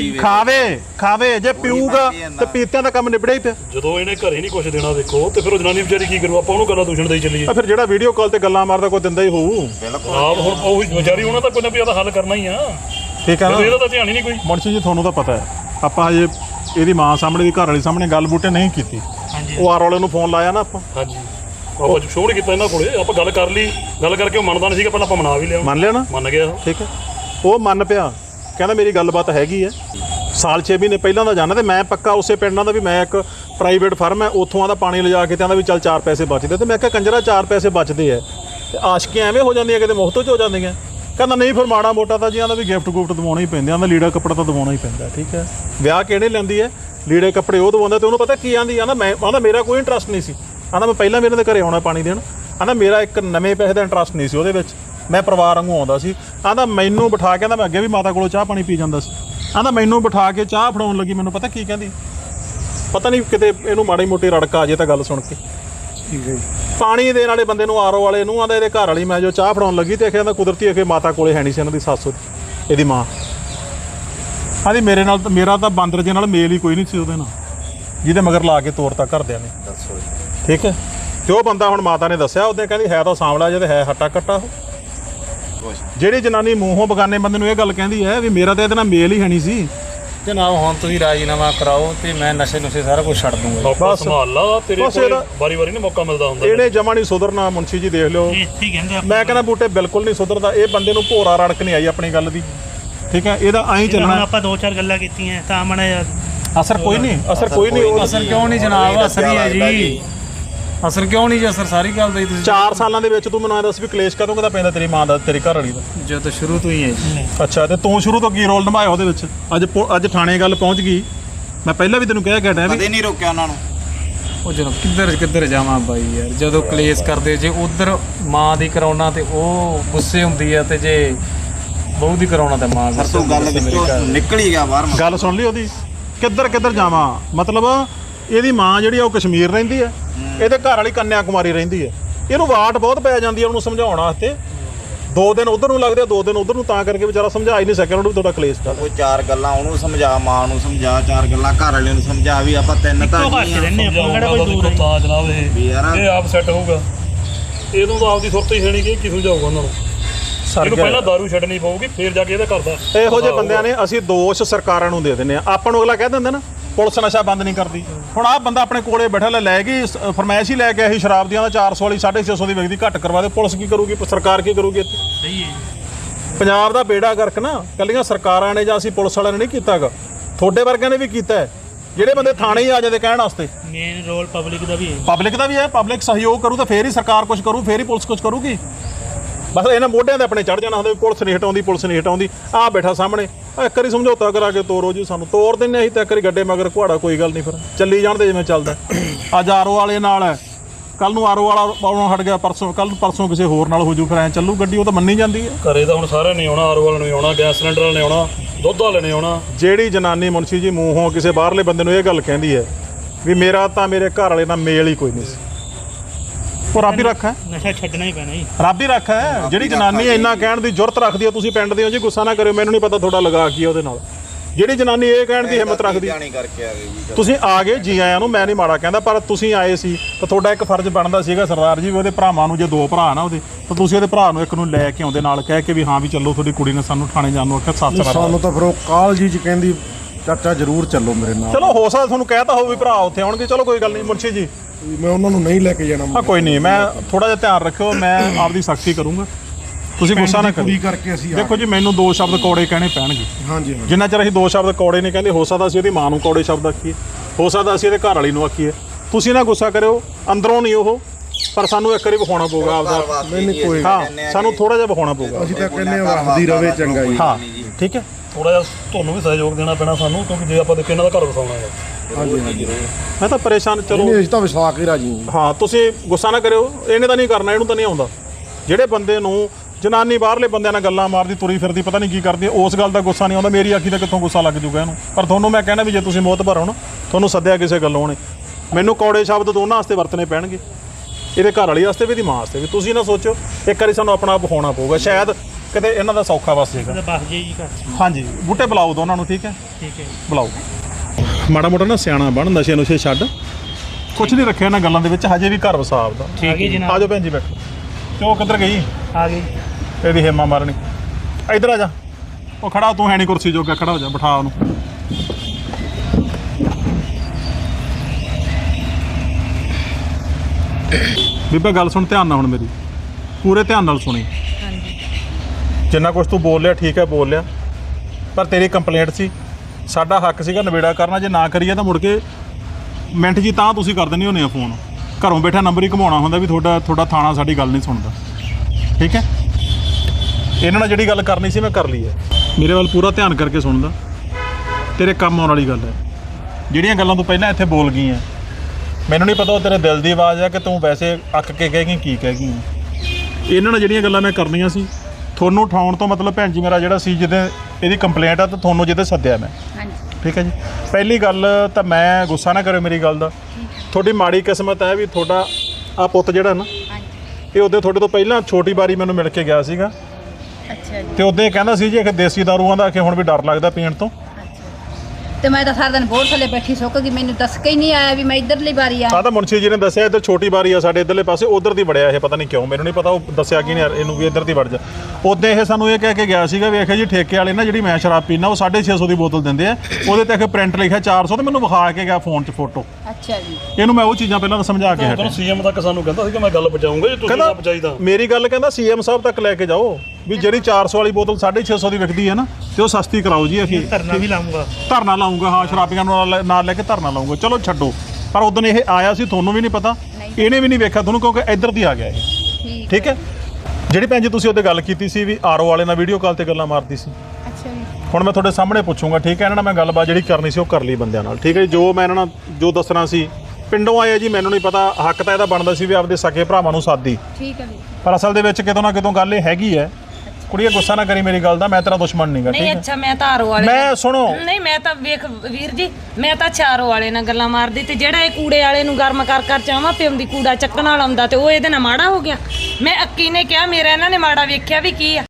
Speaker 2: ਖਾਵੇ ਜੇ ਪੀਊਗਾ ਤੇ ਪੀਤਿਆਂ ਦਾ ਕੰਮ ਨਿਬੜਿਆ ਹੀ ਪਿਆ।
Speaker 6: ਜਦੋਂ ਇਹਨੇ ਘਰੇ ਨਹੀਂ ਕੁਝ ਦੇਣਾ ਦੇਖੋ ਤੇ ਫਿਰ ਉਹ ਜਨਾਨੀ ਵਿਚਾਰੀ ਕੀ ਕਰੂ? ਆਪਾਂ ਉਹਨੂੰ ਗੱਲਾਂ ਦੂਸ਼ਣ ਦੇਈ ਚੱਲੀਏ।
Speaker 2: ਫਿਰ ਜਿਹੜਾ ਵੀਡੀਓ ਕਾਲ ਤੇ ਗੱਲਾਂ ਮਾਰਦਾ ਕੋਈ ਦਿੰਦਾ ਹੀ ਹੋਊ।
Speaker 6: ਆਪ ਹੁਣ ਉਹ ਵਿਚਾਰੀ ਉਹਨਾਂ ਤਾਂ ਕੋਈ ਨਾ ਕੋਈ ਇਹਦਾ ਹੱਲ ਕਰਨਾ ਹੀ ਆ।
Speaker 2: ਠੀਕ ਹੈ ਨਾ,
Speaker 6: ਇਹਦਾ ਤਾਂ ਧਿਆਨ ਹੀ ਨਹੀਂ ਕੋਈ।
Speaker 2: ਮੁਨਸ਼ੀ ਜੀ ਤੁਹਾਨੂੰ ਤਾਂ ਪਤਾ ਹੈ, ਆਪਾਂ ਹਜੇ ਇਹਦੀ ਮਾਂ ਸਾਹਮਣੇ ਦੀ ਘਰ ਵਾਲੀ ਸਾਹਮਣੇ ਗੱਲ ਬੂਟੇ ਨਹੀਂ ਕੀਤੀ। ਉਹ ਆਰ ਵਾਲੇ ਨੂੰ ਫੋਨ ਲਾਇਆ ਨਾ ਆਪਾਂ।
Speaker 6: ਹਾਂਜੀ ਆਪਾਂ ਸ਼ੋਅ ਨਹੀਂ ਕੀਤਾ ਇਹਨਾਂ ਕੋਲੇ, ਆਪਾਂ ਗੱਲ ਕਰ ਲਈ। ਗੱਲ ਕਰਕੇ ਉਹ ਮੰਨਦਾ ਨਹੀਂ ਸੀਗਾ, ਪਹਿਲਾਂ ਆਪਾਂ ਮਨਾ ਵੀ ਲਿਆ।
Speaker 2: ਮੰਨ ਲਿਆ ਨਾ?
Speaker 6: ਮੰਨ ਗਿਆ ਉਹ।
Speaker 2: ਠੀਕ ਹੈ, ਉਹ ਮੰਨ ਪਿਆ, ਕਹਿੰਦਾ ਮੇਰੀ ਗੱਲਬਾਤ ਹੈਗੀ ਹੈ। ਸਾਲ 6 ਮਹੀਨੇ ਪਹਿਲਾਂ ਦਾ ਜਾਣਾ, ਤੇ ਮੈਂ ਪੱਕਾ ਉਸੇ ਪਿੰਡਾਂ ਦਾ ਵੀ ਮੈਂ ਇੱਕ ਪ੍ਰਾਈਵੇਟ ਫਰਮ ਹੈ ਉੱਥੋਂ ਆਂਦਾ ਪਾਣੀ ਲਿਜਾ ਕੇ ਤੇ ਆਂਦਾ ਵੀ ਚੱਲ 4 ਪੈਸੇ ਬਚਦੇ। ਤੇ ਮੈਂ ਕਿਹਾ ਕੰਜਰਾ 4 ਪੈਸੇ ਬਚਦੇ ਆ ਤੇ ਆਸ਼ਕੀਆਂ ਐਵੇਂ ਹੋ ਜਾਂਦੀਆਂ, ਕਿਤੇ ਮੁਫਤ 'ਚ ਹੋ ਜਾਂਦੀਆਂ। ਕਹਿੰਦਾ ਨਹੀਂ ਫਿਰ ਮਾੜਾ ਮੋਟਾ ਤਾਂ ਜੀ ਆਂਦਾ ਵੀ ਗਿਫਟ ਗੁਫਟ ਦਵਾਉਣਾ ਹੀ ਪੈਂਦਾ, ਆਂਦਾ ਲੀੜਾ ਕੱਪੜਾ ਤਾਂ ਦਵਾਉਣਾ ਹੀ ਪੈਂਦਾ। ਠੀਕ ਹੈ, ਵਿਆਹ ਕਿਹੜੇ ਲੈਂਦੀ ਹੈ, ਲੀੜੇ ਕੱਪੜੇ ਉਹ ਦਵਾਉਂਦਾ। ਤੇ ਉਹਨੂੰ ਪਤਾ ਕੀ ਆਂਦੀ, ਆਂਦਾ ਮੇਰਾ ਕੋਈ ਇੰਟਰਸਟ ਨਹੀਂ ਸੀ। ਆਂਦਾ ਮੈਂ ਪਹਿਲਾਂ ਵੀ ਇਹਨਾਂ ਦੇ ਘਰੇ ਆਉਣਾ ਪਾਣੀ ਦੇਣ। ਆਂਦਾ ਮੇਰਾ ਇੱਕ ਨਵੇਂ ਪੈਸੇ ਦਾ ਇੰਟਰਸਟ ਨਹੀਂ ਸੀ ਉਹਦੇ ਵਿੱਚ, ਮੈਂ ਪਰਿਵਾਰ ਵਾਂਗੂ ਆਉਂਦਾ ਸੀ। ਆਂਦਾ ਮੈਨੂੰ ਬਿਠਾ ਕੇ, ਆਂਦਾ ਮੈਂ ਅੱਗੇ ਵੀ ਮਾਤਾ ਕੋਲੋਂ ਚਾਹ ਪਾਣੀ ਪੀ ਜਾਂਦਾ ਸੀ। ਆਂਦਾ ਮੈਨੂੰ ਬਿਠਾ ਕੇ ਚਾਹ ਫੜਾਉਣ ਲੱਗੀ, ਮੈਨੂੰ ਪਤਾ ਕੀ ਕਹਿੰਦੀ, ਪਤਾ ਨਹੀਂ ਕਿਤੇ ਇਹਨੂੰ ਮਾੜੀ ਮੋਟੀ ਰੜਕਾ ਆ ਜੇ ਤਾਂ ਗੱਲ ਸੁਣ ਕੇ।
Speaker 7: ਠੀਕ ਹੈ ਜੀ।
Speaker 2: ਪਾਣੀ ਦੇਣ ਵਾਲੇ ਬੰਦੇ ਨੂੰ, ਆਰਓ ਵਾਲੇ ਨੂੰ, ਆਂਦਾ ਇਹਦੇ ਘਰ ਵਾਲੀ ਮੈਂ ਜੋ ਚਾਹ ਫੜਾਉਣ ਲੱਗੀ ਤੇ ਕਹਿੰਦਾ ਕੁਦਰਤੀ ਅਖੇ ਮਾਤਾ ਕੋਲੇ ਹੈ ਨਹੀਂ ਸੀ ਇਹਨਾਂ ਦੀ ਸੱਸ, ਇਹਦੀ ਮਾਂ। ਆਂਦੀ ਮੇਰੇ ਨਾਲ ਤਾਂ ਮੇਰਾ ਤਾਂ ਬਾਂਦਰ ਜੇ ਨਾਲ ਮੇਲ ਹੀ ਕੋਈ ਨਹੀਂ ਸੀ ਉਹਦੇ ਨਾਲ, ਜਿਹਦੇ ਮਗਰ ਲਾ ਕੇ ਤੋਰਤਾ ਘਰਦਿਆਂ ਨੇ।
Speaker 4: ਦੱਸੋ ਜੀ।
Speaker 2: ਠੀਕ ਹੈ, ਤੇ ਉਹ ਬੰਦਾ ਹੁਣ ਮਾਤਾ ਨੇ ਦੱਸਿਆ ਉਹਦੇ, ਕਹਿੰਦੀ ਹੈ ਤਾਂ ਸਾਂਵਲਾ ਜੇ ਤੇ ਹੈ ਹੱਟਾ ਕੱਟਾ ਉਹ। ਜਿਹੜੀ ਜਨਾਨੀ ਮੂੰਹੋਂ ਬਗਾਨੇ ਬੰਦੇ ਨੂੰ ਇਹ ਗੱਲ ਕਹਿੰਦੀ ਹੈ ਵੀ ਮੇਰਾ ਤਾਂ ਇਹਦੇ ਨਾਲ ਮੇਲ ਹੀ ਹੈ ਨਹੀਂ ਸੀ।
Speaker 5: ਜਨਾਬ ਹੁਣ ਤੁਸੀਂ ਰਾਜੀਨਾਮਾ ਕਰਾਓ ਤੇ ਮੈਂ ਨਸ਼ੇ ਨੁਸ਼ੇ ਸਾਰਾ ਕੁਝ ਛੱਡ ਦੂੰਗਾ।
Speaker 6: ਬਸ ਸੰਭਾਲ ਲਾ, ਤੇਰੇ ਕੋਲ ਵਾਰੀ-ਵਾਰੀ ਨਹੀਂ ਮੌਕਾ ਮਿਲਦਾ ਹੁੰਦਾ।
Speaker 2: ਇਹਨੇ ਜਮਾ ਨਹੀਂ ਸੁਧਰਨਾ ਮੁਨਸ਼ੀ ਜੀ, ਦੇਖ ਲਿਓ।
Speaker 8: ਇੱਥੇ ਹੀ ਕਹਿੰਦੇ
Speaker 2: ਮੈਂ ਕਹਿੰਦਾ ਬੂਟੇ ਬਿਲਕੁਲ ਨਹੀਂ ਸੁਧਰਦਾ। ਇਹ ਬੰਦੇ ਨੂੰ ਭੋਰਾ ਰੜਕ ਨਹੀਂ ਆਈ ਆਪਣੀ ਗੱਲ ਦੀ। ਠੀਕ ਹੈ, ਇਹਦਾ ਐਂ
Speaker 8: ਹੁਣ
Speaker 2: ਚੱਲਣਾ।
Speaker 8: ਆਪਾਂ 2-4 ਗੱਲਾਂ ਕੀਤੀਆਂ ਤਾਂ ਮਣਾ ਯਾਰ
Speaker 2: ਅਸਰ ਕੋਈ ਨਹੀਂ, ਅਸਰ ਕੋਈ ਨਹੀਂ।
Speaker 5: ਅਸਰ ਕਿਉਂ ਨਹੀਂ ਜਨਾਬ? ਅਸਰ ਹੀ ਹੈ ਜੀ। ਅਸਰ ਕਿਉਂ ਨਹੀਂ ਜੀ? ਅਸਰ ਸਾਰੀ ਗੱਲ ਦਾ ਹੀ ਤੁਸੀਂ
Speaker 2: 4 ਸਾਲਾਂ ਦੇ ਵਿੱਚ ਤੂੰ ਮੈਨੂੰ ਐਂ ਦੱਸ ਵੀ ਕਲੇਸ਼ ਕਦੋਂ ਕਦਾ ਪੈਂਦਾ ਤੇਰੀ ਮਾਂ ਦਾ, ਤੇਰੀ ਘਰ ਵਾਲੀ ਦਾ?
Speaker 5: ਜਦੋਂ ਸ਼ੁਰੂ ਤੋਂ ਹੀ ਹੈ ਜੀ।
Speaker 2: ਅੱਛਾ, ਤੇ ਤੂੰ ਸ਼ੁਰੂ ਤੋਂ ਕੀ ਰੋਲ ਨਿਭਾਇਆ ਉਹਦੇ ਵਿੱਚ? ਅੱਜ ਥਾਣੇ ਗੱਲ ਪਹੁੰਚ ਗਈ। ਮੈਂ ਪਹਿਲਾਂ ਵੀ ਤੈਨੂੰ ਕਹਿ ਕੇ ਹਟਿਆ ਵੀ
Speaker 4: ਕਦੇ ਨਹੀਂ ਰੋਕਿਆ ਉਹਨਾਂ ਨੂੰ।
Speaker 5: ਉਹ ਜਦੋਂ ਕਿੱਧਰ ਜਾਵਾਂ ਬਾਈ ਯਾਰ, ਜਦੋਂ ਕਲੇਸ਼ ਕਰਦੇ ਜੇ ਉਧਰ ਮਾਂ ਦੀ ਕਰਾਉਣਾ ਤੇ ਉਹ ਗੁੱਸੇ ਹੁੰਦੀ ਆ, ਤੇ ਜੇ ਬਹੂ ਦੀ ਕਰਾਉਣਾ ਤੇ ਮਾਂ
Speaker 4: ਸਰ ਤੋਂ ਗੱਲ ਵਿੱਚੋਂ ਨਿਕਲ ਹੀ ਗਿਆ ਬਾਹਰ।
Speaker 2: ਗੱਲ ਸੁਣ ਲਈ ਉਹਦੀ, ਕਿੱਧਰ ਜਾਵਾਂ। ਮਤਲਬ ਇਹਦੀ ਮਾਂ ਜਿਹੜੀ ਆ ਉਹ ਕਸ਼ਮੀਰ ਰਹਿੰਦੀ ਹੈ, ਇਹਦੇ ਘਰ ਵਾਲੀ ਕੰਨਿਆ ਕੁਮਾਰੀ ਰਹਿੰਦੀ ਹੈ। ਇਹਨੂੰ ਵਾਟ ਬਹੁਤ ਪੈ ਜਾਂਦੀ ਹੈ ਉਹਨੂੰ ਸਮਝਾਉਣ ਵਾਸਤੇ। 2 ਦਿਨ ਉਧਰ ਨੂੰ ਲੱਗਦੇ ਆ, 2 ਦਿਨ ਉਧਰ ਨੂੰ, ਤਾਂ ਕਰਕੇ ਵਿਚਾਰਾ ਸਮਝਾ ਹੀ ਨਹੀਂ ਸਕਿਆ ਉਹਨੂੰ ਵੀ ਤੁਹਾਡਾ ਕਲੇਸ਼ ਦਾ।
Speaker 4: ਕੋਈ 4 ਗੱਲਾਂ ਉਹਨੂੰ ਸਮਝਾ, ਮਾਂ ਨੂੰ ਸਮਝਾ, 4 ਗੱਲਾਂ ਘਰ ਵਾਲਿਆਂ ਨੂੰ ਸਮਝਾ ਵੀ ਆਪਾਂ 3 ਤਾਂ
Speaker 8: ਇੱਕੋ ਘਰ 'ਚ ਰਹਿੰਦੇ ਆਪਾਂ, ਕਿਹੜਾ ਕੋਈ ਦੂਰ ਹੈ।
Speaker 6: ਤਾਂ ਜਨਾਬ
Speaker 4: ਵੀ ਯਾਰ
Speaker 6: ਇਹ ਆਪ ਸੈੱਟ ਹੋਊਗਾ। ਇਹਨੂੰ ਤਾਂ ਆਪਦੀ ਸੁਰਤ ਹੀ ਛੇਣੀ ਕਿ ਕੀ ਸਮਝਾਊਗਾ ਉਹਨਾਂ ਨੂੰ। ਇਹਨੂੰ ਪਹਿਲਾਂ ਦਾਰੂ ਛੱਡਣੀ ਪਊਗੀ, ਫਿਰ ਜਾ ਕੇ ਇਹਦਾ ਕਰਦਾ।
Speaker 2: ਇਹੋ ਜਿਹੇ ਬੰਦਿਆਂ ਨੇ ਅਸੀਂ ਦੋਸ਼ ਸਰਕਾਰਾਂ ਨੂੰ ਦੇ ਦਿੰਦੇ ਆ। ਆਪਾਂ ਨੂੰ ਅਗਲਾ ਕਹਿ ਦਿੰਦਾ ਨਾ ਪੁਲਿਸ ਨਸ਼ਾ ਬੰਦ ਨਹੀਂ ਕਰਦੀ। ਹੁਣ ਆਹ ਬੰਦਾ ਆਪਣੇ ਕੋਲੇ ਬੈਠਾ ਲੈ ਗਈ ਫਰਮਾਇਸ਼ ਹੀ ਲੈ ਕੇ ਆਹੀ ਸ਼ਰਾਬ ਦੀਆਂ ਦਾ 400 ਵਾਲੀ 650 ਦੀ ਵਿਕਦੀ ਘੱਟ ਕਰਵਾ ਦੇ। ਪੁਲਿਸ ਕੀ ਕਰੂਗੀ? ਸਰਕਾਰ ਕੀ ਕਰੂਗੀ ਇੱਥੇ?
Speaker 8: ਸਹੀ ਹੈ।
Speaker 2: ਪੰਜਾਬ ਦਾ ਬੇੜਾ ਗਰਕ ਨਾ ਕੱਲੀਆਂ ਸਰਕਾਰਾਂ ਨੇ ਜਾਂ ਅਸੀਂ ਪੁਲਿਸ ਵਾਲਿਆਂ ਨੇ ਨਹੀਂ ਕੀਤਾਗਾ, ਤੁਹਾਡੇ ਵਰਗਿਆਂ ਨੇ ਵੀ ਕੀਤਾ ਹੈ। ਜਿਹੜੇ ਬੰਦੇ ਥਾਣੇ ਹੀ ਆ ਜਾਂਦੇ ਕਹਿਣ ਵਾਸਤੇ।
Speaker 8: ਮੇਨ ਰੋਲ ਪਬਲਿਕ ਦਾ ਵੀ ਹੈ।
Speaker 2: ਪਬਲਿਕ ਦਾ ਵੀ ਹੈ। ਪਬਲਿਕ ਸਹਿਯੋਗ ਕਰੂ ਤਾਂ ਫੇਰ ਹੀ ਸਰਕਾਰ ਕੁਝ ਕਰੂ, ਫੇਰ ਹੀ ਪੁਲਿਸ ਕੁਝ ਕਰੂਗੀ। ਬਸ ਇਹਨਾਂ ਮੋਢਿਆਂ ਤੇ ਆਪਣੇ ਚੜ ਜਾਣਾ ਹੁੰਦਾ ਵੀ ਪੁਲਿਸ ਨਹੀਂ ਹਟਾਉਂਦੀ, ਪੁਲਿਸ ਨਹੀਂ ਹਟਾਉਂਦੀ। ਆਹ ਬੈਠਾ ਸਾਹਮਣੇ, ਇੱਕ ਵਾਰੀ ਸਮਝੌਤਾ ਕਰਾ ਕੇ ਤੋਰੋ ਜੀ, ਸਾਨੂੰ ਤੋਰ ਦਿੰਦੇ ਅਸੀਂ ਤਾਂ ਇੱਕ ਵਾਰੀ ਗੱਡੇ ਮਗਰ ਘੁਆੜਾ, ਕੋਈ ਗੱਲ ਨਹੀਂ, ਫਿਰ ਚੱਲੀ ਜਾਣਦੇ ਜਿਵੇਂ ਚੱਲਦਾ। ਅੱਜ ਆਰਓ ਵਾਲੇ ਨਾਲ ਹੈ, ਕੱਲ ਨੂੰ ਆਰਓ ਵਾਲਾ ਪਾਉਣੋਂ ਹਟ ਗਿਆ, ਪਰਸੋਂ ਕਿਸੇ ਹੋਰ ਨਾਲ ਹੋ ਜੂ, ਫਿਰ ਐਂ ਚੱਲੂ ਗੱਡੀ। ਉਹ ਤਾਂ ਮੰਨੀ ਜਾਂਦੀ ਹੈ।
Speaker 6: ਘਰੇ ਤਾਂ ਹੁਣ ਸਾਰਿਆਂ ਨੇ ਆਉਣਾ, ਆਰਓ ਵਾਲੇ ਨੇ ਆਉਣਾ, ਗੈਸ ਸਿਲੰਡਰ ਵਾਲੇ ਨੇ ਆਉਣਾ, ਦੁੱਧ ਵਾਲੇ ਨੇ ਆਉਣਾ।
Speaker 2: ਜਿਹੜੀ ਜਨਾਨੀ ਮੁਨਸ਼ੀ ਜੀ ਮੂੰਹੋਂ ਕਿਸੇ ਬਾਹਰਲੇ ਬੰਦੇ ਨੂੰ ਇਹ ਗੱਲ ਕਹਿੰਦੀ ਹੈ ਵੀ ਮੇਰਾ ਤਾਂ ਮੇਰੇ ਘਰ ਵਾਲੇ ਨਾਲ ਮੇਲ ਹੀ ਕੋਈ ਨਹੀਂ ਸੀ, ਉਹ ਰੱਬ ਹੀ ਰੱਖਾ।
Speaker 8: ਨਸ਼ਾ ਛੱਡਣਾ ਹੀ ਪੈਣਾ ਜੀ,
Speaker 2: ਰੱਬ ਹੀ ਰੱਖਾ ਹੈ। ਜਿਹੜੀ ਜਨਾਨੀ ਇੰਨਾ ਕਹਿਣ ਦੀ ਜੁਰਤ ਰੱਖਦੀ ਹੈ, ਤੁਸੀਂ ਪਿੰਡ ਦੇ ਹੋ ਜੀ, ਗੁੱਸਾ ਨਾ ਕਰਿਓ, ਮੈਨੂੰ ਨਹੀਂ ਪਤਾ ਤੁਹਾਡਾ ਲਗਾ ਕੀ ਉਹਦੇ ਨਾਲ। ਜਿਹੜੀ ਜਨਾਨੀ ਇਹ ਕਹਿਣ ਦੀ ਹਿੰਮਤ ਰੱਖਦੀ,
Speaker 4: ਕਰਕੇ ਆ ਗਏ ਜੀ।
Speaker 2: ਤੁਸੀਂ ਆ ਗਏ ਜੀ ਆਇਆਂ ਨੂੰ, ਮੈਂ ਨਹੀਂ ਮਾੜਾ ਕਹਿੰਦਾ, ਪਰ ਤੁਸੀਂ ਆਏ ਸੀ ਤਾਂ ਤੁਹਾਡਾ ਇੱਕ ਫਰਜ਼ ਬਣਦਾ ਸੀਗਾ ਸਰਦਾਰ ਜੀ, ਵੀ ਉਹਦੇ ਭਰਾਵਾਂ ਨੂੰ, ਜੇ 2 ਭਰਾ ਨਾ ਉਹਦੇ, ਤਾਂ ਤੁਸੀਂ ਉਹਦੇ ਭਰਾ ਨੂੰ ਇੱਕ ਨੂੰ ਲੈ ਕੇ ਆਉਂਦੇ ਨਾਲ, ਕਹਿ ਕੇ ਵੀ ਹਾਂ ਵੀ ਚੱਲੋ, ਤੁਹਾਡੀ ਕੁੜੀ ਨੇ ਸਾਨੂੰ ਥਾਣੇ ਜਾਣ ਨੂੰ ਆਖਿਆ, ਸੱਚ
Speaker 7: ਸਾਨੂੰ ਤਾਂ ਫਿਰ ਉਹ ਕਾਲ ਜੀ ਚ ਕਹਿੰਦੀ ਚਾਚਾ ਜ਼ਰੂਰ ਚੱਲੋ ਮੇਰੇ ਨਾਲ।
Speaker 2: ਚਲੋ ਹੋ ਸਕਦਾ ਤੁਹਾਨੂੰ ਕਹਿਤਾ ਹੋਊ ਵੀ ਭਰਾ ਉੱਥੇ ਆਉਣਗੇ, ਚਲੋ ਕੋਈ ਗੱਲ ਨਹੀਂ ਮੁਨਸ਼ੀ ਜੀ,
Speaker 7: ਮੈਂ ਉਹਨਾਂ ਨੂੰ ਨਹੀਂ ਲੈ ਕੇ ਜਾਣਾ।
Speaker 2: ਹਾਂ ਕੋਈ ਨਹੀਂ, ਮੈਂ ਥੋੜਾ ਜਿਹਾ ਧਿਆਨ ਰੱਖਿਓ, ਮੈਂ ਆਪਦੀ ਸਖਤੀ ਕਰੂੰਗਾ, ਤੁਸੀਂ ਗੁੱਸਾ ਨਾ
Speaker 7: ਕੁੜੀ
Speaker 2: ਕਰੋ।
Speaker 7: ਕਰਕੇ ਅਸੀਂ
Speaker 2: ਦੇਖੋ ਜੀ, ਮੈਨੂੰ 2 ਸ਼ਬਦ ਕੌੜੇ ਕਹਿਣੇ ਪੈਣਗੇ।
Speaker 7: ਹਾਂਜੀ ਹਾਂ।
Speaker 2: ਜਿੰਨਾ ਚਿਰ ਅਸੀਂ 2 ਸ਼ਬਦ ਕੌੜੇ ਨਹੀਂ ਕਹਿੰਦੇ, ਹੋ ਸਕਦਾ ਅਸੀਂ ਉਹਦੀ ਮਾਂ ਨੂੰ ਕੌੜੇ ਸ਼ਬਦ ਆਖੀਏ, ਹੋ ਸਕਦਾ ਅਸੀਂ ਇਹਦੇ ਘਰ ਵਾਲੀ ਨੂੰ ਆਖੀਏ। ਤੁਸੀਂ ਨਾ ਗੁੱਸਾ ਕਰਿਓ, ਅੰਦਰੋਂ ਨਹੀਂ ਉਹ, ਪਰ ਸਾਨੂੰ ਇੱਕ ਵਾਰੀ ਵਿਖਾਉਣਾ ਪਊਗਾ ਆਪਦਾ।
Speaker 7: ਨਹੀਂ ਕੋਈ,
Speaker 2: ਹਾਂ ਸਾਨੂੰ ਥੋੜਾ ਜਿਹਾ ਵਿਖਾਉਣਾ ਪਊਗਾ।
Speaker 7: ਅਸੀਂ ਤਾਂ ਕਹਿੰਦੇ ਹਾਂ ਵਸਦੀ ਰਵੇ ਚੰਗਾ ਜੀ।
Speaker 2: ਹਾਂ ਠੀਕ ਹੈ,
Speaker 6: ਥੋੜਾ ਜਿਹਾ ਤੁਹਾਨੂੰ ਵੀ ਸਹਿਯੋਗ ਦੇਣਾ ਪੈਣਾ ਸਾਨੂੰ, ਕਿਉਂਕਿ ਜੇ ਆਪਾਂ ਦੇਖੇ ਇਹਨਾਂ ਦਾ ਘਰ ਵਸਾਉਣਾ ਹੈ।
Speaker 7: ਹਾਂਜੀ ਹਾਂਜੀ।
Speaker 2: ਮੈਂ ਤਾਂ ਪਰੇਸ਼ਾਨ, ਚਲੋ
Speaker 7: ਨਹੀਂ ਅਸੀਂ ਤਾਂ ਵਿਸ਼ਵਾਸ ਹੀ ਰਾਜੀ।
Speaker 2: ਹਾਂ ਤੁਸੀਂ ਗੁੱਸਾ ਨਾ ਕਰਿਓ, ਇਹਨੇ ਤਾਂ ਨਹੀਂ ਕਰਨਾ, ਇਹਨੂੰ ਤਾਂ ਨਹੀਂ ਆਉਂਦਾ। ਜਿਹੜੇ ਬੰਦੇ ਨੂੰ ਜਨਾਨੀ ਬਾਹਰਲੇ ਬੰਦਿਆਂ ਨਾਲ ਗੱਲਾਂ ਮਾਰਦੀ ਤੁਰੀ ਫਿਰਦੀ ਪਤਾ ਨਹੀਂ ਕੀ ਕਰਦੀ ਉਸ ਗੱਲ ਦਾ ਗੁੱਸਾ ਨਹੀਂ ਆਉਂਦਾ, ਮੇਰੀ ਅੱਖੀ ਤੇ ਕਿੱਥੋਂ ਗੁੱਸਾ ਲੱਗ ਜੂਗਾ ਇਹਨੂੰ। ਪਰ ਤੁਹਾਨੂੰ ਮੈਂ ਕਹਿਣਾ ਵੀ ਜੇ ਤੁਸੀਂ ਮੋਹਤਬਰ ਹੋ ਨਾ, ਤੁਹਾਨੂੰ ਸੱਦਿਆ ਕਿਸੇ ਗੱਲੋਂ ਨੇ, ਮੈਨੂੰ ਕੌੜੇ ਸ਼ਬਦ ਦੋਨਾਂ ਵਾਸਤੇ ਵਰਤਣੇ ਪੈਣਗੇ, ਇਹਦੇ ਘਰ ਵਾਲੀ ਵਾਸਤੇ ਵੀ ਇਹਦੀ ਮਾਂ ਵਾਸਤੇ ਵੀ। ਤੁਸੀਂ ਨਾ ਸੋਚੋ, ਇੱਕ ਵਾਰੀ ਸਾਨੂੰ ਆਪਣਾ ਆਪ ਹੋਣਾ ਪਊਗਾ, ਸ਼ਾਇਦ ਕਿਤੇ ਇਹਨਾਂ ਦਾ ਸੌਖਾ ਵਸ ਜਾਏਗਾ।
Speaker 8: ਉਹਦਾ ਬਸ ਜੀ ਘਰ
Speaker 2: ਹਾਂਜੀ ਬੂਟੇ ਬੁਲਾਓ ਦੋਨਾਂ ਨੂੰ, ਠੀਕ ਹੈ
Speaker 8: ਠੀਕ ਹੈ
Speaker 2: ਬੁਲਾਓ। ਮਾੜਾ ਮੋਟਾ ਨਾ ਸਿਆਣਾ ਬਣ, ਨਸ਼ੇ ਨੁਸ਼ੇ ਛੱਡ, ਕੁਛ ਨਹੀਂ ਰੱਖਿਆ ਇਹਨਾਂ ਗੱਲਾਂ ਦੇ ਵਿੱਚ, ਹਜੇ ਵੀ ਘਰ ਵਸਾ ਆਪਦਾ।
Speaker 8: ਠੀਕ ਹੈ ਜੀ
Speaker 2: ਆ ਜਾਓ ਭੈਣ ਜੀ ਬੈਠੋ। ਤੇ ਉਹ ਕਿੱਧਰ ਗਈ?
Speaker 8: ਆ ਗਈ
Speaker 2: ਇਹਦੀ ਹੇਮਾ ਮਾਰਨੀ। ਇੱਧਰ ਆ ਜਾ, ਉਹ ਖੜਾ, ਤੂੰ ਹੈ ਨਹੀਂ ਕੁਰਸੀ ਜੋਗਾ, ਖੜਾ ਹੋ ਜਾ, ਬਿਠਾ ਉਹਨੂੰ। ਬੀਬਾ ਗੱਲ ਸੁਣ ਧਿਆਨ ਨਾਲ ਹੁਣ ਮੇਰੀ, ਪੂਰੇ ਧਿਆਨ ਨਾਲ ਸੁਣੀ। ਜਿੰਨਾ ਕੁਛ ਤੂੰ ਬੋਲ ਲਿਆ ਠੀਕ ਹੈ, ਬੋਲ ਲਿਆ, ਪਰ ਤੇਰੀ ਕੰਪਲੇਂਟ ਸੀ, ਸਾਡਾ ਹੱਕ ਸੀਗਾ ਨਿਬੇੜਾ ਕਰਨਾ। ਜੇ ਨਾ ਕਰੀਏ ਤਾਂ ਮੁੜ ਕੇ ਮਿੰਟ ਜੀ ਤਾਂ ਤੁਸੀਂ ਕਰ ਦਿੰਦੇ ਹੁੰਦੇ ਆ ਫੋਨ, ਘਰੋਂ ਬੈਠਾ ਨੰਬਰ ਹੀ ਘੁਮਾਉਣਾ ਹੁੰਦਾ ਵੀ ਤੁਹਾਡਾ ਥਾਣਾ ਸਾਡੀ ਗੱਲ ਨਹੀਂ ਸੁਣਦਾ, ਠੀਕ ਹੈ। ਇਹਨਾਂ ਨਾਲ ਜਿਹੜੀ ਗੱਲ ਕਰਨੀ ਸੀ ਮੈਂ ਕਰ ਲਈ ਹੈ। ਮੇਰੇ ਵੱਲ ਪੂਰਾ ਧਿਆਨ ਕਰਕੇ ਸੁਣਦਾ, ਤੇਰੇ ਕੰਮ ਆਉਣ ਵਾਲੀ ਗੱਲ ਹੈ। ਜਿਹੜੀਆਂ ਗੱਲਾਂ ਤੂੰ ਪਹਿਲਾਂ ਇੱਥੇ ਬੋਲ ਗਈ ਹੈ, ਮੈਨੂੰ ਨਹੀਂ ਪਤਾ ਉਹ ਤੇਰੇ ਦਿਲ ਦੀ ਆਵਾਜ਼ ਹੈ ਕਿ ਤੂੰ ਵੈਸੇ ਅੱਕ ਕੇ ਕਹਿ ਗਈ ਕੀ ਕਹਿ ਗਈ ਹੈ। ਇਹਨਾਂ ਨਾਲ ਜਿਹੜੀਆਂ ਗੱਲਾਂ ਮੈਂ ਕਰਨੀਆਂ ਸੀ, ਤੁਹਾਨੂੰ ਉਠਾਉਣ ਤੋਂ ਮਤਲਬ ਭੈਣ ਜੀ ਮੇਰਾ ਜਿਹੜਾ ਸੀ, ਜਿਹਦੇ ਇਹਦੀ ਕੰਪਲੇਂਟ ਆ, ਤਾਂ ਤੁਹਾਨੂੰ ਜਿਹਦੇ ਸੱਦਿਆ ਮੈਂ, ਠੀਕ ਹੈ ਜੀ। ਪਹਿਲੀ ਗੱਲ ਤਾਂ ਮੈਂ ਗੁੱਸਾ ਨਾ ਕਰਿਓ ਮੇਰੀ ਗੱਲ ਦਾ, ਤੁਹਾਡੀ ਮਾੜੀ ਕਿਸਮਤ ਹੈ ਵੀ ਤੁਹਾਡਾ ਆ ਪੁੱਤ ਜਿਹੜਾ ਨਾ, ਇਹ ਉਹਦੇ ਤੁਹਾਡੇ ਤੋਂ ਪਹਿਲਾਂ ਛੋਟੀ ਵਾਰੀ ਮੈਨੂੰ ਮਿਲ ਕੇ ਗਿਆ ਸੀਗਾ।
Speaker 3: ਅੱਛਾ ਜੀ।
Speaker 2: ਤੇ ਉਹਦੇ ਕਹਿੰਦਾ ਸੀ ਜੀ ਕਿ ਦੇਸੀ ਦਾਰੂਆਂ ਦਾ ਕਿ ਹੁਣ ਵੀ ਡਰ ਲੱਗਦਾ ਪੀਣ ਤੋਂ।
Speaker 3: ਤੇ ਮੈਂ ਤਾਂ ਸਾਰਾ ਦਿਨ ਬੋਰ ਥੱਲੇ ਬੈਠੀ ਸੁੱਕ ਗਈ, ਮੈਨੂੰ ਦੱਸ ਕੇ ਹੀ ਨਹੀਂ ਆਇਆ ਵੀ ਮੈਂ ਇੱਧਰਲੀ ਵਾਰੀ ਆ।
Speaker 2: ਆ ਤਾਂ ਮੁਨਸ਼ੀ ਜੀ ਨੇ ਦੱਸਿਆ ਇੱਧਰ ਛੋਟੀ ਬਾਰੀ ਆ ਸਾਡੇ ਇੱਧਰਲੇ ਪਾਸੇ, ਉਧਰ ਦੀ ਵੜਿਆ ਇਹ, ਪਤਾ ਨਹੀਂ ਕਿਉਂ, ਮੈਨੂੰ ਨਹੀਂ ਪਤਾ ਉਹ ਦੱਸਿਆ ਕਿ ਨਹੀਂ ਇਹਨੂੰ ਵੀ ਇੱਧਰ ਦੀ ਵੜ ਜਾ। ਉੱਦਾਂ ਇਹ ਸਾਨੂੰ ਇਹ ਕਹਿ ਕੇ ਗਿਆ ਸੀਗਾ, ਵੇਖਿਆ ਜੀ ਠੇਕੇ ਵਾਲੇ ਨਾ ਜਿਹੜੀ ਮੈਂ ਸ਼ਰਾਬ ਪੀਣਾ ਉਹ 650 ਦੀ ਬੋਤਲ ਦਿੰਦੇ ਆ, ਉਹਦੇ ਤੇ ਇੱਕ ਪ੍ਰਿੰਟ ਲਿਖਿਆ 400, ਤੇ ਮੈਨੂੰ ਵਿਖਾ ਕੇ ਗਿਆ ਫੋਨ 'ਚ ਫੋਟੋ।
Speaker 3: ਅੱਛਾ ਜੀ।
Speaker 2: ਇਹਨੂੰ ਮੈਂ ਉਹ ਚੀਜ਼ਾਂ ਪਹਿਲਾਂ ਸਮਝਾ ਕੇ ਹਟਿਆ।
Speaker 6: ਤੁਹਾਨੂੰ ਸੀਐਮ ਤੱਕ ਸਾਨੂੰ ਕਹਿੰਦਾ ਸੀ ਕਿ ਮੈਂ ਗੱਲ ਪਹੁੰਚਾਉਂਗਾ, ਜੇ ਤੁਸੀਂ ਨਾ ਪਹੁੰਚਾਈਦਾ
Speaker 2: ਮੇਰੀ ਗੱਲ ਕਹਿੰਦਾ ਸੀਐਮ ਸਾਹਿਬ ਤੱਕ ਲੈ ਕੇ ਜਾਓ ਵੀ ਜਿਹੜੀ 400 ਵਾਲੀ ਬੋਤਲ 650 ਦੀ ਵਿਕਦੀ ਹੈ ਨਾ, ਤੇ ਉਹ ਸਸਤੀ ਕਰਾਓ ਜੀ। ਅਸੀਂ
Speaker 8: ਧਰਨਾ ਵੀ ਲਾਉਂਗਾ,
Speaker 2: ਧਰਨਾ ਲਾਉਂਗਾ, ਹਾਂ ਸ਼ਰਾਬੀਆਂ ਨੂੰ ਨਾਲ ਲੈ ਕੇ ਧਰਨਾ ਲਾਉਂਗਾ। ਚਲੋ ਛੱਡੋ, ਪਰ ਉਦੋਂ ਇਹ ਆਇਆ ਸੀ, ਤੁਹਾਨੂੰ ਵੀ ਨਹੀਂ ਪਤਾ, ਇਹਨੇ ਵੀ ਨਹੀਂ ਵੇਖਿਆ ਤੁਹਾਨੂੰ, ਕਿਉਂਕਿ ਇੱਧਰ ਦੀ ਆ ਗਿਆ ਇਹ, ਠੀਕ ਹੈ। ਜਿਹੜੀ ਭੈਣ ਜੀ ਤੁਸੀਂ ਉਹਦੇ ਗੱਲ ਕੀਤੀ ਸੀ ਵੀ ਆਰਓ ਵਾਲੇ ਨਾਲ ਵੀਡੀਓ ਕਾਲ ਤੇ ਗੱਲਾਂ ਮਾਰਦੀ ਸੀ,
Speaker 3: ਅੱਛਾ ਜੀ।
Speaker 2: ਹੁਣ ਮੈਂ ਤੁਹਾਡੇ ਸਾਹਮਣੇ ਪੁੱਛੂੰਗਾ, ਠੀਕ ਹੈ। ਇਹਨਾਂ ਨਾਲ ਮੈਂ ਗੱਲਬਾਤ ਜਿਹੜੀ ਕਰਨੀ ਸੀ ਉਹ ਕਰ ਲਈ ਬੰਦਿਆਂ ਨਾਲ, ਠੀਕ ਹੈ ਜੀ। ਜੋ ਮੈਂ ਇਹਨਾਂ ਨਾਲ ਜੋ ਦੱਸਣਾ ਸੀ, ਪਿੰਡੋਂ ਆਏ ਜੀ, ਮੈਨੂੰ ਨਹੀਂ ਪਤਾ, ਹੱਕ ਤਾਂ ਇਹਦਾ ਬਣਦਾ ਸੀ ਵੀ ਆਪਦੇ ਸਕੇ ਭਰਾਵਾਂ ਨੂੰ ਸਾਦੀ,
Speaker 3: ਠੀਕ ਹੈ ਜੀ।
Speaker 2: ਪਰ ਅਸਲ ਦੇ ਵਿੱਚ ਕਿਤੋਂ ਨਾ ਕਿਤੋਂ ਗੱਲ ਇਹ ਹੈਗੀ ਹੈ। ਕੁੜੀਏ ਗੁੱਸਾ ਨਾ ਕਰੀ ਮੇਰੀ ਗੱਲ ਦਾ, ਮੈਂ ਤੇਰਾ ਦੁਸ਼ਮਣ ਨਹੀਂਗਾ, ਠੀਕ
Speaker 1: ਨਹੀਂ
Speaker 2: ਹੈ।
Speaker 1: ਅੱਛਾ, ਮੈਂ ਤਾਂ ਆਰੋ ਵਾਲੇ
Speaker 2: ਮੈਂ ਸੁਣੋ,
Speaker 1: ਨਹੀਂ ਮੈਂ ਤਾਂ ਵੇਖ ਵੀਰ ਜੀ, ਮੈਂ ਤਾਂ ਚਾਰੋ ਵਾਲੇ ਨਾਲ ਗੱਲਾਂ ਮਾਰਦੀ, ਤੇ ਜਿਹੜਾ ਇਹ ਕੂੜੇ ਵਾਲੇ ਨੂੰ ਗਰਮ ਕਰ ਚਾਹਾਂ ਪਿਉਂਦੀ ਕੂੜਾ ਚੱਕਣ ਵਾਲਾ ਆਉਂਦਾ, ਤੇ ਉਹ ਇਹਦੇ ਨਾਲ ਮਾੜਾ ਹੋ ਗਿਆ। ਮੈਂ ਅੱਕੀ ਨੇ ਕਿਹਾ, ਮੇਰਾ ਇਹਨਾਂ ਨੇ ਮਾੜਾ ਵੇਖਿਆ ਵੀ ਕੀ ਆ।